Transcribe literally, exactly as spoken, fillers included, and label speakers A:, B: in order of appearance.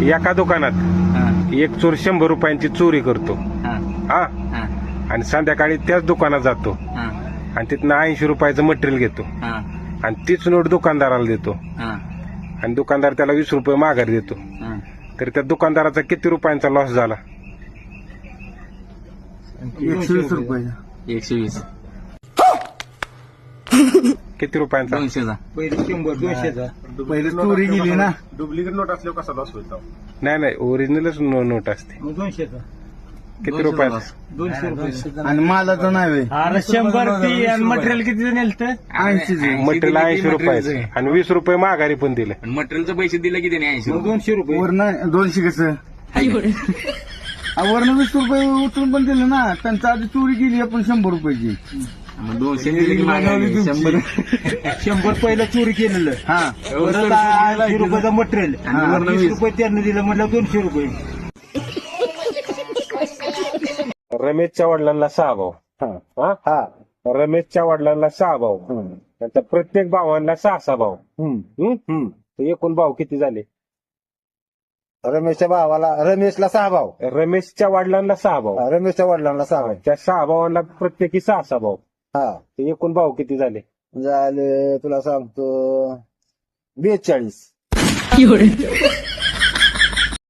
A: एका दुकानात
B: हा,
A: एक चोर शंभर रुपयांची चोरी करतो
B: हा,
A: हा
B: हा,
A: आणि संध्याकाळी त्याच दुकानात जातो
B: हा,
A: आणि तिथनं ऐंशी रुपयाचं मटेरियल घेतो
B: हा,
A: आणि तीच नोट दुकानदाराला देतो
B: हा,
A: आणि दुकानदार त्याला वीस रुपये माघार देतो,
B: हा.
A: तर त्या दुकानदाराचा किती रुपयांचा लॉस झाला?
C: एकशे वीस रुपये.
B: एकशे वीस.
A: किती रुपयांचा?
B: दोनशेचा.
C: पहिले शंभर दोनशेचा. पहिले चोरी गेली ना.
D: डुप्लिकेट नोट असल्यावर कसा लॉस होईल?
A: नाही नाही ओरिजिनलच नोट असते.
C: मग दोनशेचा.
A: किती रुपयाचा?
C: दोनशे रुपये. आणि मालाचं नाही होय.
E: अरे शंभर ती आणि मटेरियल किती नेलत?
C: ऐंशी
A: मटेरियल ऐंशी रुपयाचं आणि वीस रुपये माघारी पण दिले.
B: पण मटेरियलचे पैसे दिले की त्याने ऐंशी रुपये.
C: दोनशे रुपये. वरनं दोनशे कसं वरनं वीस रुपये उचलून पण दिले ना. त्यांचा आधी चोरी गेली आपण शंभर रुपयाची.
B: मग दोनशे दिले की माघारी शंभर.
E: शंभर पहिलं चोरी केलेलं.
C: हा
E: परत ऐंशी रुपयाचं मटेरियल आणि वीस रुपये त्यांनी दिलं म्हटलं दोनशे रुपये.
A: रमेशच्या वडिलांना सहा भाऊ. हा रमेशच्या वडिलांना सहा भाऊ, त्यांच्या प्रत्येक भावांना सहा सहा भाऊ. हम्म? तर एकूण भाऊ किती झाले?
F: रमेशच्या भावाला रमेशला सहा भाऊ,
A: रमेशच्या वडिलांना सहा भाऊ,
F: रमेशच्या वडिलांना सहा भाऊ.
A: त्या सहा भावांना प्रत्येकी सहा सहा भाऊ.
F: हा
A: तर एकूण भाऊ किती झाले?
F: झाले तुला सांगतो बेचाळीस.